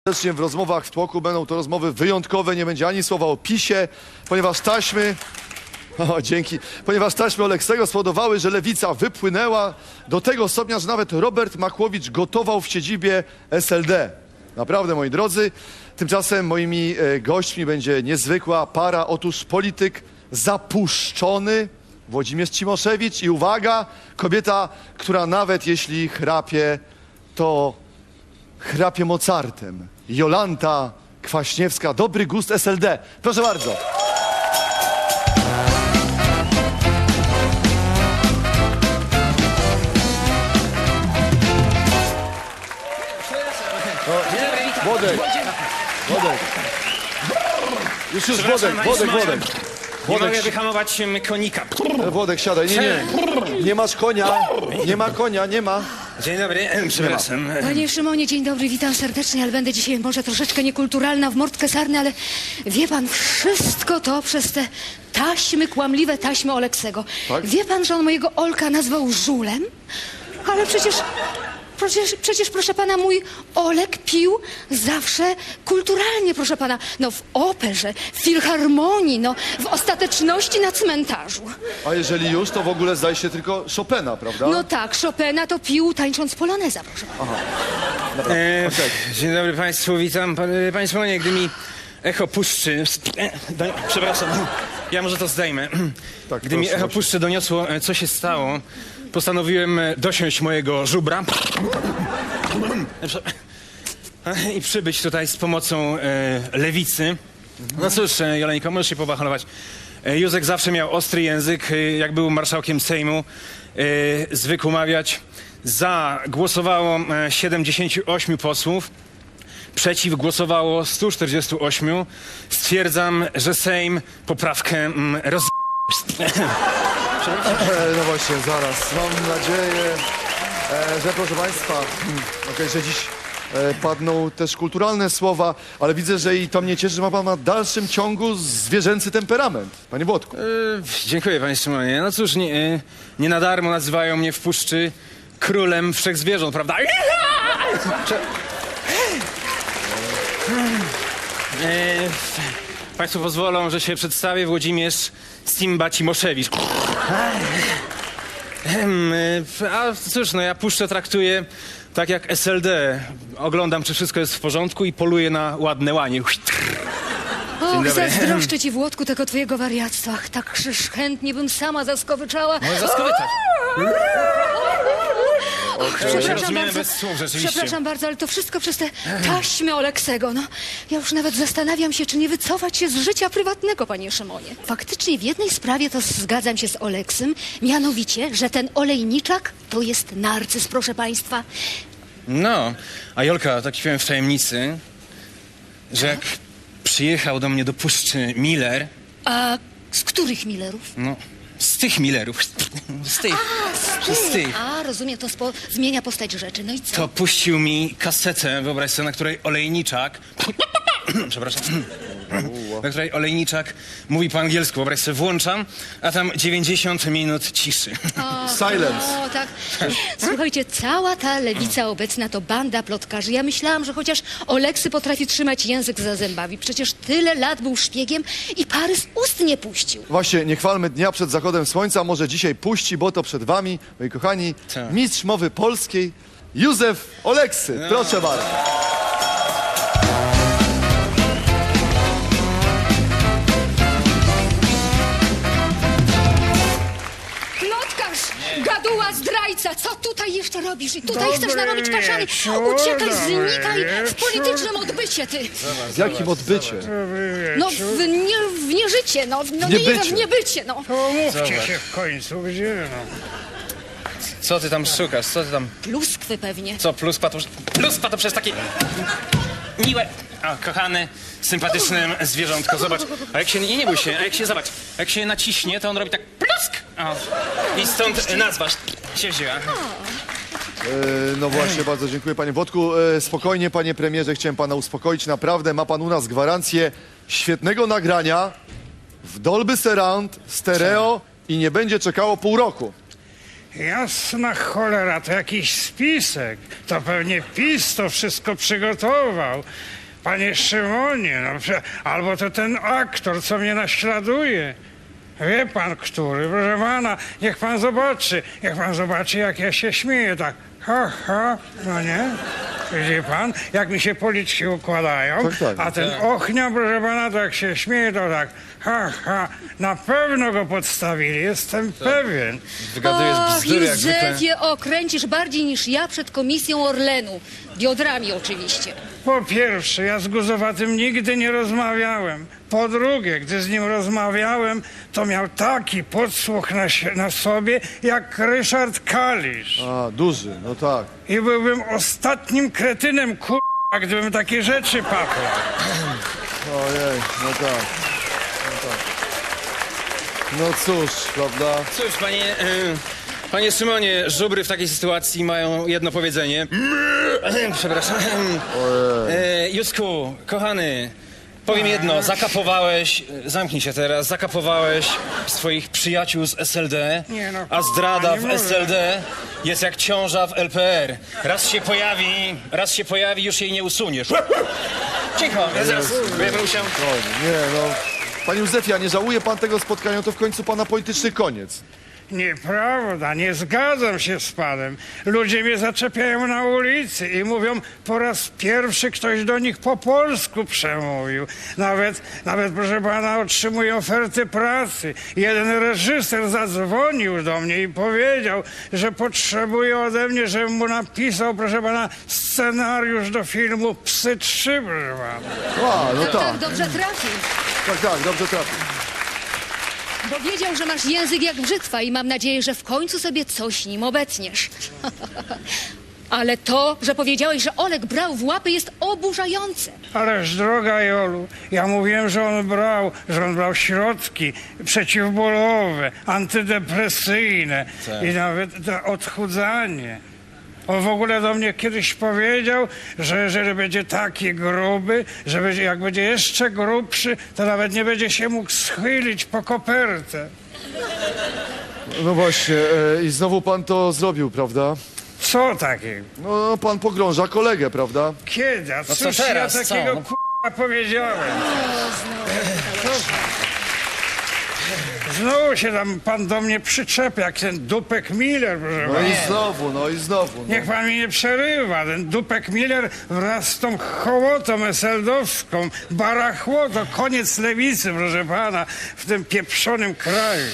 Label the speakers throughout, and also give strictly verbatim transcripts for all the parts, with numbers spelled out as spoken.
Speaker 1: Serdecznie w rozmowach w tłoku będą to rozmowy wyjątkowe, nie będzie ani słowa o PiSie, ponieważ taśmy, o, dzięki, ponieważ taśmy Oleksego spowodowały, że lewica wypłynęła do tego stopnia, że nawet Robert Makłowicz gotował w siedzibie S L D. Naprawdę, moi drodzy, tymczasem moimi e, gośćmi będzie niezwykła para, otóż polityk zapuszczony Włodzimierz Cimoszewicz i uwaga, kobieta, która nawet jeśli chrapie, to chrapie Mozartem. Jolanta Kwaśniewska, dobry gust S L D. Proszę bardzo. O, Włodek, Włodek. Już, już, Włodek, Włodek, Włodek.
Speaker 2: Nie mogę wyhamować em, konika.
Speaker 1: Włodek, siadaj. Nie, nie. Nie masz konia. Nie ma konia, nie ma.
Speaker 2: Dzień dobry, em, przepraszam.
Speaker 3: Panie Szymonie, dzień dobry, witam serdecznie, ale będę dzisiaj może troszeczkę niekulturalna, w mordkę sarny, ale wie pan, wszystko to przez te taśmy, kłamliwe taśmy Oleksego.
Speaker 1: Tak?
Speaker 3: Wie pan, że on mojego Olka nazwał żulem? Ale przecież, przecież, przecież, proszę pana, mój Olek pił zawsze kulturalnie, proszę pana. No w operze, w filharmonii, no w ostateczności na cmentarzu.
Speaker 1: A jeżeli już, to w ogóle zdaje się tylko Chopina, prawda?
Speaker 3: No tak, Chopina to pił tańcząc poloneza, proszę pana.
Speaker 2: E,
Speaker 1: Okej.
Speaker 2: Dzień dobry państwu, witam. Pan, e, panie Szymonie, gdy mi echo puszczy... E, do, przepraszam, ja może to zdejmę.
Speaker 1: Tak,
Speaker 2: Gdy mi
Speaker 1: proszę,
Speaker 2: echo
Speaker 1: proszę.
Speaker 2: puszczy doniosło, e, co się stało, postanowiłem e, dosiąść mojego żubra e, i przybyć tutaj z pomocą e, lewicy. No cóż, e, Joleńko, możesz się pobachalować. E, Józek zawsze miał ostry język, e, jak był marszałkiem Sejmu, e, zwykł mawiać. Za głosowało e, siedemdziesięciu ośmiu posłów, przeciw głosowało stu czterdziestu ośmiu. Stwierdzam, że Sejm poprawkę mm, roz...
Speaker 1: E, no właśnie, zaraz. Mam nadzieję, e, że proszę Państwa, hmm, okej, że dziś e, padną też kulturalne słowa, ale widzę, że i to mnie cieszy, że ma Pan na dalszym ciągu zwierzęcy temperament. Panie Włodku.
Speaker 2: E, dziękuję, panie Szymonie. No cóż, nie, e, nie na darmo nazywają mnie w puszczy królem wszechzwierząt, prawda? Cze- E, Państwo pozwolą, że się przedstawię. Włodzimierz Simba Cimoszewicz. Em, e, A cóż, no ja puszczę traktuję tak jak S L D. Oglądam, czy wszystko jest w porządku i poluję na ładne łanie.
Speaker 3: Och,
Speaker 2: dobry.
Speaker 3: zazdroszczę ci, Włodku, tego twojego wariactwa. Ach, tak krzyż chętnie bym sama zaskowyczała.
Speaker 2: Może zaskowytać.
Speaker 3: Przepraszam
Speaker 2: rozumiemy
Speaker 3: bardzo,
Speaker 2: bez słów, rzeczywiście.
Speaker 3: przepraszam bardzo, ale to wszystko przez te taśmy Oleksego. No, ja już nawet zastanawiam się, czy nie wycofać się z życia prywatnego, panie Szymonie. Faktycznie w jednej sprawie to zgadzam się z Oleksym, mianowicie, że ten olejniczak to jest narcyz, proszę państwa.
Speaker 2: No, a Jolka, tak powiem w tajemnicy, że jak przyjechał do mnie do Puszczy Miller,
Speaker 3: A z których Millerów?
Speaker 2: no, z tych Millerów, z tych,
Speaker 3: A,
Speaker 2: z tych,
Speaker 3: A, rozumiem, to spo, zmienia postać rzeczy. No i co?
Speaker 2: to puścił mi kasetę, wyobraź sobie, na której olejniczak, przepraszam, na której olejniczak mówi po angielsku, wyobraź sobie, włączam, a tam dziewięćdziesiąt minut ciszy.
Speaker 3: O,
Speaker 1: Silence.
Speaker 3: O, tak. Słuchajcie, cała ta lewica obecna to banda plotkarzy. Ja myślałam, że chociaż Oleksy potrafi trzymać język za zębami. Przecież tyle lat był szpiegiem i pary z ust nie puścił.
Speaker 1: Właśnie, nie chwalmy dnia przed zachodem słońca, może dzisiaj puści, bo to przed Wami, moi kochani,
Speaker 2: Tak.
Speaker 1: mistrz mowy polskiej, Józef Oleksy. Proszę bardzo.
Speaker 3: Plotkarz, gaduła, zdrajca, co tutaj jeszcze robisz? I tutaj chcesz narobić kaszany. Uciekaj, znikaj w politycznym odbycie, ty.
Speaker 1: W jakim odbycie?
Speaker 3: No, w, nie, w nieżycie, no, no nie,
Speaker 1: Niebycie.
Speaker 3: w niebycie, no.
Speaker 4: Pomówcie się w końcu, gdzie no?
Speaker 2: Co ty tam szukasz, co ty tam,
Speaker 3: Pluskwy pewnie.
Speaker 2: co, pluspa to, pluspa to przecież takie miłe, o, kochany, sympatyczne zwierzątko, zobacz, a jak się, nie, nie bój się, a jak się, zobacz, jak się naciśnie, to on robi tak plusk, o, i stąd nazwa się wzięła.
Speaker 1: E, no właśnie, bardzo dziękuję, panie Włodku. E, spokojnie, panie premierze, chciałem pana uspokoić. Naprawdę ma pan u nas gwarancję świetnego nagrania w Dolby Surround, stereo i nie będzie czekało pół roku.
Speaker 4: Jasna cholera, to jakiś spisek. To pewnie PiS to wszystko przygotował. Panie Szymonie, no, prze- albo to ten aktor, co mnie naśladuje. Wie pan, który? Proszę pana, niech pan zobaczy. Niech pan zobaczy, jak ja się śmieję, tak. Ha, ha, no nie? Widzi pan, jak mi się policzki układają,
Speaker 1: Tak, tak.
Speaker 4: a ten ochnia, proszę pana, to jak się śmieje, to tak. Ha, ha, na pewno go podstawili, jestem pewien.
Speaker 2: Wygadujesz
Speaker 3: Ach,
Speaker 2: bzdury jak zwykle.
Speaker 3: Józefie, okręcisz bardziej niż ja przed komisją Orlenu. Biodrami oczywiście.
Speaker 4: Po pierwsze, ja z Guzowatym nigdy nie rozmawiałem. Po drugie, gdy z nim rozmawiałem, to miał taki podsłuch na, sie- na sobie, jak Ryszard Kalisz.
Speaker 1: A, duży, no tak.
Speaker 4: I byłbym ostatnim kretynem, k***a, gdybym takie rzeczy paplał.
Speaker 1: Ojej, no tak. No tak. No cóż, prawda?
Speaker 2: Cóż, panie, e, panie Szymonie, żubry w takiej sytuacji mają jedno powiedzenie. Przepraszam. E, Józku, kochany, powiem jedno, zakapowałeś, zamknij się teraz, zakapowałeś swoich przyjaciół z S L D,
Speaker 4: Nie no,
Speaker 2: a zdrada
Speaker 4: nie
Speaker 2: w
Speaker 4: może.
Speaker 2: S L D jest jak ciąża w L P R. Raz się pojawi, raz się pojawi, już jej nie usuniesz. Cicho, ja zaraz będę musiał...
Speaker 1: O, nie, no. Panie Józefie, a nie żałuje pan tego spotkania, to w końcu pana polityczny koniec.
Speaker 4: Nieprawda, nie zgadzam się z panem. Ludzie mnie zaczepiają na ulicy i mówią, po raz pierwszy ktoś do nich po polsku przemówił. Nawet, nawet proszę pana, otrzymuję oferty pracy. Jeden reżyser zadzwonił do mnie i powiedział, że potrzebuje ode mnie, żebym mu napisał, proszę pana, scenariusz do filmu Psy trzy, proszę pana.
Speaker 1: A, no
Speaker 3: Tak,
Speaker 1: tak.
Speaker 3: dobrze trafił.
Speaker 1: Tak, tak, dobrze trafił.
Speaker 3: Bo wiedział, że masz język jak brzytwa i mam nadzieję, że w końcu sobie coś nim obetniesz. Ale to, że powiedziałeś, że Olek brał w łapy, jest oburzające.
Speaker 4: Ależ droga Jolu, ja mówiłem, że on brał, że on brał środki przeciwbólowe, antydepresyjne i nawet na odchudzanie. On w ogóle do mnie kiedyś powiedział, że jeżeli będzie taki gruby, że będzie, jak będzie jeszcze grubszy, to nawet nie będzie się mógł schylić po kopertę.
Speaker 1: No właśnie, e, i znowu pan to zrobił, prawda?
Speaker 4: Co takiego?
Speaker 1: No, pan pogrąża kolegę, prawda?
Speaker 4: Kiedy? A
Speaker 2: No co
Speaker 4: cóż
Speaker 2: teraz?
Speaker 4: ja
Speaker 2: Co?
Speaker 4: takiego
Speaker 2: No.
Speaker 4: k***a powiedziałem? Znowu się tam pan do mnie przyczepia, jak ten Dupek Miller, proszę
Speaker 1: No
Speaker 4: pana.
Speaker 1: i znowu, no i znowu. No.
Speaker 4: Niech pan mi nie przerywa. Ten Dupek Miller wraz z tą hołotą eseldowską, barachło, to koniec lewicy, proszę pana, w tym pieprzonym kraju.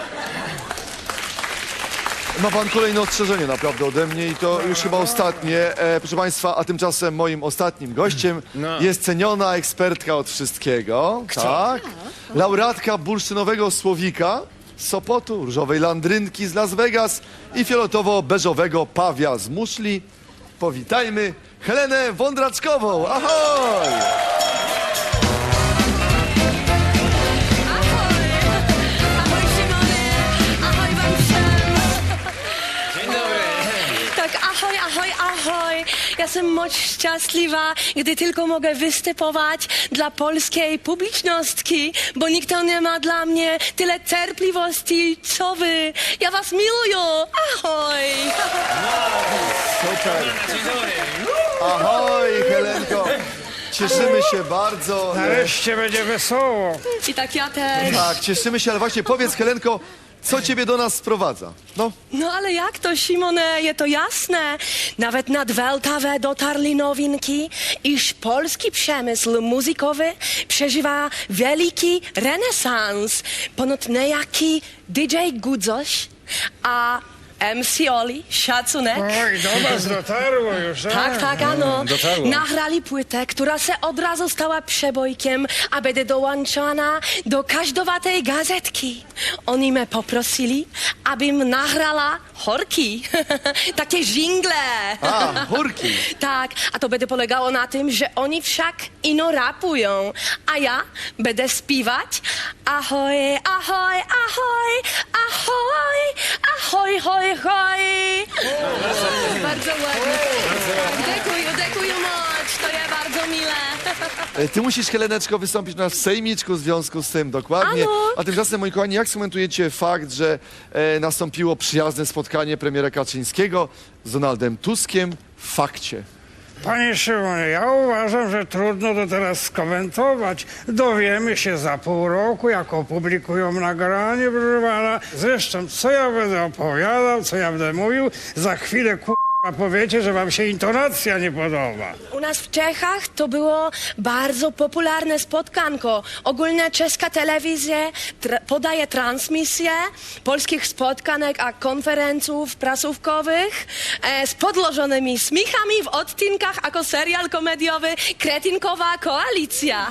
Speaker 1: Ma pan kolejne ostrzeżenie naprawdę ode mnie i to już chyba ostatnie. E, proszę państwa, a tymczasem moim ostatnim gościem
Speaker 2: No.
Speaker 1: jest ceniona ekspertka od wszystkiego. Tak. Laureatka bursztynowego słowika z Sopotu, różowej landrynki z Las Vegas i fioletowo-beżowego pawia z muszli. Powitajmy Helenę Wądraczkową. Ahoj!
Speaker 5: Ahoj Szymony, ahoj wam wszem.
Speaker 2: Dzień dobry.
Speaker 5: Tak, ahoj, ahoj, ahoj. Ja jestem moc szczęśliwa, gdy tylko mogę występować dla polskiej publiczności, bo nikt nie ma dla mnie tyle cierpliwości, co wy. Ja was miluję. Ahoj.
Speaker 1: Super.
Speaker 2: Dzień dobry.
Speaker 1: Ahoj, Helenko. Cieszymy się bardzo.
Speaker 4: Nareszcie będzie wesoło.
Speaker 5: I tak ja też.
Speaker 1: Tak, cieszymy się, ale właśnie powiedz, Helenko, co ciebie do nas sprowadza? No.
Speaker 5: No ale jak to, Simone, je to jasne. Nawet nad Weltawę dotarli nowinki, iż polski przemysł muzykowy przeżywa wielki renesans. Ponoć niejaki D J Gudzoś, a M C Oli, szacunek.
Speaker 4: Oj, do was dotarło już.
Speaker 5: Tak, tak, ano.
Speaker 2: dotarło.
Speaker 5: Nagrali płytę, która se od razu stała przebojkiem, a będzie dołączona do każdowatej gazetki. Oni mnie poprosili, abym nagrała horki, takie żingle.
Speaker 1: A, chórki.
Speaker 5: Tak, a to będzie polegało na tym, że oni wszak ino rapują, a ja będę śpiewać ahoj, ahoj, ahoj, ahoj, ahoj, hoj, hoj.
Speaker 3: Bardzo ładnie.
Speaker 5: Dziękuję, dziękuję moc, to jest bardzo mile.
Speaker 1: E, Ty musisz, Heleneczko, wystąpić na w sejmiczku w związku z tym, dokładnie.
Speaker 5: Ano.
Speaker 1: A tymczasem, moi kochani, jak skomentujecie fakt, że e, nastąpiło przyjazne spotkanie premiera Kaczyńskiego z Donaldem Tuskiem w fakcie?
Speaker 4: Panie Szymonie, ja uważam, że trudno to teraz skomentować. Dowiemy się za pół roku, jak opublikują nagranie, proszę pana. Zresztą, co ja będę opowiadał, co ja będę mówił, za chwilę k***a powiecie, że wam się intonacja nie podoba.
Speaker 5: U nas w Czechach to było bardzo popularne spotkanko. Ogólnie czeska telewizja tra- podaje transmisję polskich spotkanek a konferencji prasówkowych e, z podłożonymi śmiechami w odcinkach jako serial komediowy Kretinkowa koalicja.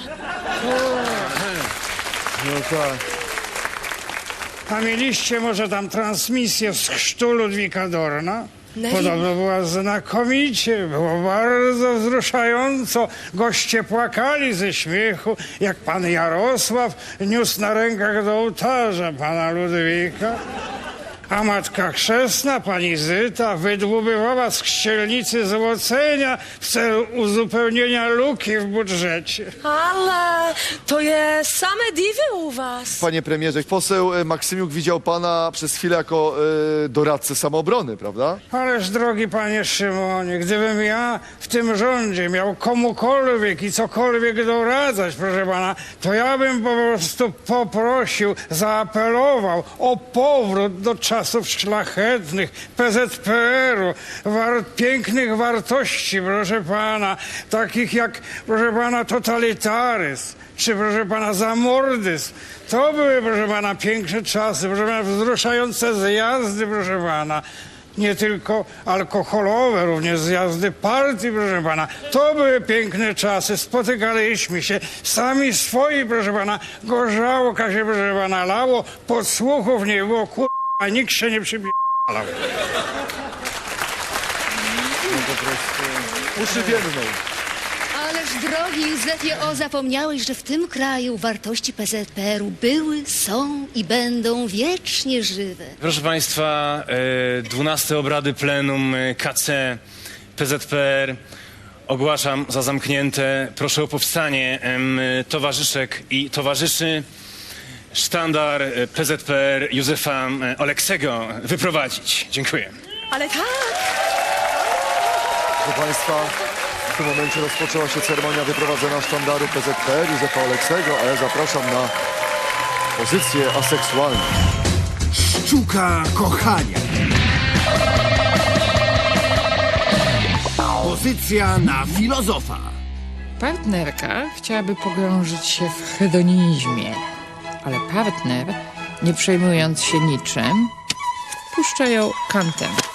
Speaker 1: No tak.
Speaker 4: A mieliście może tam transmisję z chrztu Ludwika Dorna?
Speaker 5: Nie.
Speaker 4: Podobno była znakomicie, było bardzo wzruszająco. Goście płakali ze śmiechu, jak pan Jarosław niósł na rękach do ołtarza pana Ludwika. A matka chrzestna, pani Zyta, wydłubywała z chścielnicy złocenia w celu uzupełnienia luki w budżecie.
Speaker 5: Ale to jest same diwy u was.
Speaker 1: Panie premierze, poseł e, Maksymiuk widział pana przez chwilę jako e, doradcę samoobrony, prawda?
Speaker 4: Ależ drogi panie Szymonie, gdybym ja w tym rządzie miał komukolwiek i cokolwiek doradzać, proszę pana, to ja bym po prostu poprosił, zaapelował o powrót do czasów szlachetnych P Z P R-u, war, pięknych wartości, proszę pana, takich jak, proszę pana, totalitaryzm, czy proszę pana zamordyzm. To były, proszę pana, piękne czasy, proszę pana, wzruszające zjazdy, proszę pana. Nie tylko alkoholowe, również zjazdy partii, proszę pana. To były piękne czasy, spotykaliśmy się, sami swoi, proszę pana. Gorzałka się, proszę pana, lało, podsłuchów nie było, kur... a nikt się nie przybiegał.
Speaker 1: Uszy więdną.
Speaker 3: Ależ drogi Józefie, o, zapomniałeś, że w tym kraju wartości P Z P R-u były, są i będą wiecznie żywe.
Speaker 2: Proszę Państwa, e, dwunaste obrady plenum e, K C P Z P R ogłaszam za zamknięte. Proszę o powstanie em, towarzyszek i towarzyszy. Sztandar e, P Z P R Józefa e, Oleksego wyprowadzić. Dziękuję.
Speaker 5: Ale tak.
Speaker 1: Proszę państwa, w tym momencie rozpoczęła się ceremonia wyprowadzenia sztandaru P Z P R Józefa Oleksego, a ja zapraszam na pozycję aseksualną.
Speaker 6: Sztuka kochania. Pozycja na filozofa.
Speaker 7: Partnerka chciałaby pogrążyć się w hedonizmie, ale partner, nie przejmując się niczym, puszcza ją kantem.